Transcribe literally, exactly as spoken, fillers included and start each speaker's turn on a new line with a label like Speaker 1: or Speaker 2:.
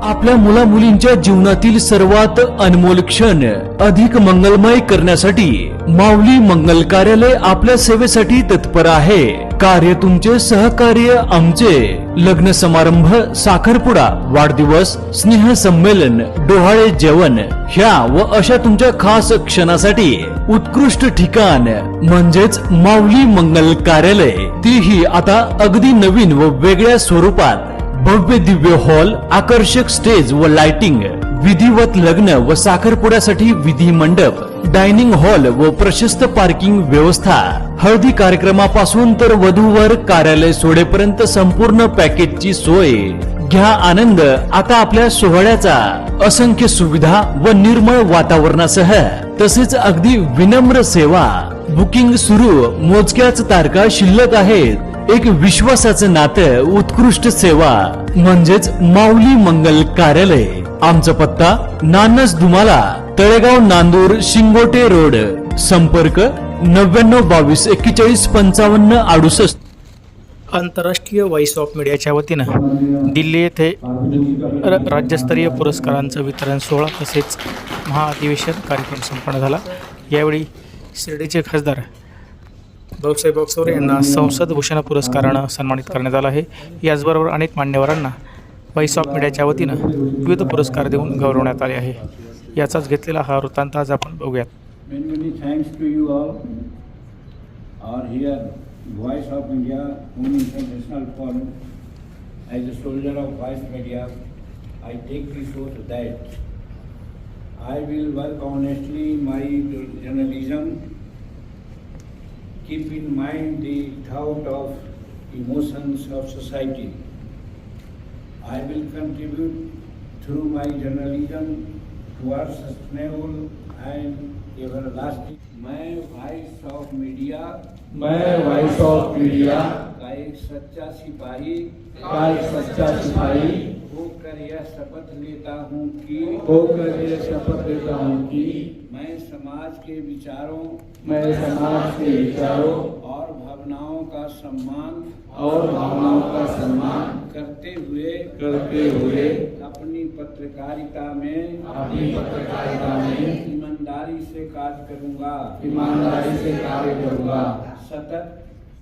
Speaker 1: आपल्या मुला मुलींच्या जीवनातील सर्वात अनमोल क्षण अधिक मंगलमय करण्यासाठी माऊली मंगल कार्यालय आपल्या सेवेसाठी तत्पर आहे। कार्य तुमचे, सहकार्य आमचे। लग्न समारंभ, साखरपुडा, वाढदिवस, स्नेह संमेलन, डोहाळे जेवण ह्या व अशा तुमच्या खास क्षणासाठी उत्कृष्ट ठिकाण म्हणजेच माऊली मंगल कार्यालय, तीही आता अगदी नवीन व वेगळ्या स्वरूपात। भव्य दिव्य हॉल, आकर्षक स्टेज व लाइटिंग, विधिवत लग्न व साखरपुड्यासाठी विधी मंडप, डायनिंग हॉल व प्रशस्त पार्किंग व्यवस्था। हळदी कार्यक्रमापासून तर वधूवर कार्यालय सोडेपर्यंत संपूर्ण पॅकेजची सोय। घ्या आनंद आता आपल्या सोहळ्याचा। असंख्य सुविधा व निर्मळ वातावरणासह तसेच अगदी विनम्र सेवा। बुकिंग सुरू, मोजक्याच तारखा शिल्लक आहेत। एक विश्वासाचं नातं, उत्कृष्ट सेवा म्हणजेच माऊली मंगल कार्यालय। आमचा पत्ता नानस दुमाला, तळेगाव, नांदूर, शिंगोटे रोड। संपर्क नव्याण्णव बावीस एक्केचाळीस पंचावन्न अडुसष्ट।
Speaker 2: आंतरराष्ट्रीय व्हॉइस ऑफ मीडियाच्या वतीनं दिल्ली येथे र राज्यस्तरीय पुरस्कारांचं वितरण सोहळा तसेच महाअधिवेशन कार्यक्रम संपन्न झाला। यावेळी शिर्डीचे खासदार भाऊसाहेब वागचौरे यांना संसद भूषण पुरस्कारानं सन्मानित करण्यात आलं आहे। याचबरोबर अनेक मान्यवरांना व्हॉइस ऑफ मीडियाच्या वतीनं विविध पुरस्कार देऊन गौरवण्यात आले आहे। याचाच घेतलेला हा वृत्तांत आज आपण बघूयात।
Speaker 3: Many many thanks to you all. Are here, Voice of India, Home International Forum. As a soldier of Voice Media, I take this oath that I will work honestly in my journalism, keep in mind the thought of emotions of society. I will contribute through my journalism towards sustainable and everlasting. मैं voice of media
Speaker 4: मैं voice of media
Speaker 3: का एक सच्चा सिपाही
Speaker 4: का एक सच्चा सिपाही
Speaker 3: होकर यह शपथ लेता हूँ कि
Speaker 4: होकर यह शपथ लेता हूँ कि
Speaker 3: मैं समाज के विचारों
Speaker 4: मैं समाज के विचारों
Speaker 3: और भावनाओं का सम्मान
Speaker 4: और भावनाओं का सम्मान
Speaker 3: करते हुए
Speaker 4: करते हुए
Speaker 3: अपनी पत्रकारिता में
Speaker 4: अपनी पत्रकारिता में
Speaker 3: ईमानदारी से कार्य करूँगा
Speaker 4: ईमानदारी से कार्य करूँगा।
Speaker 3: सतत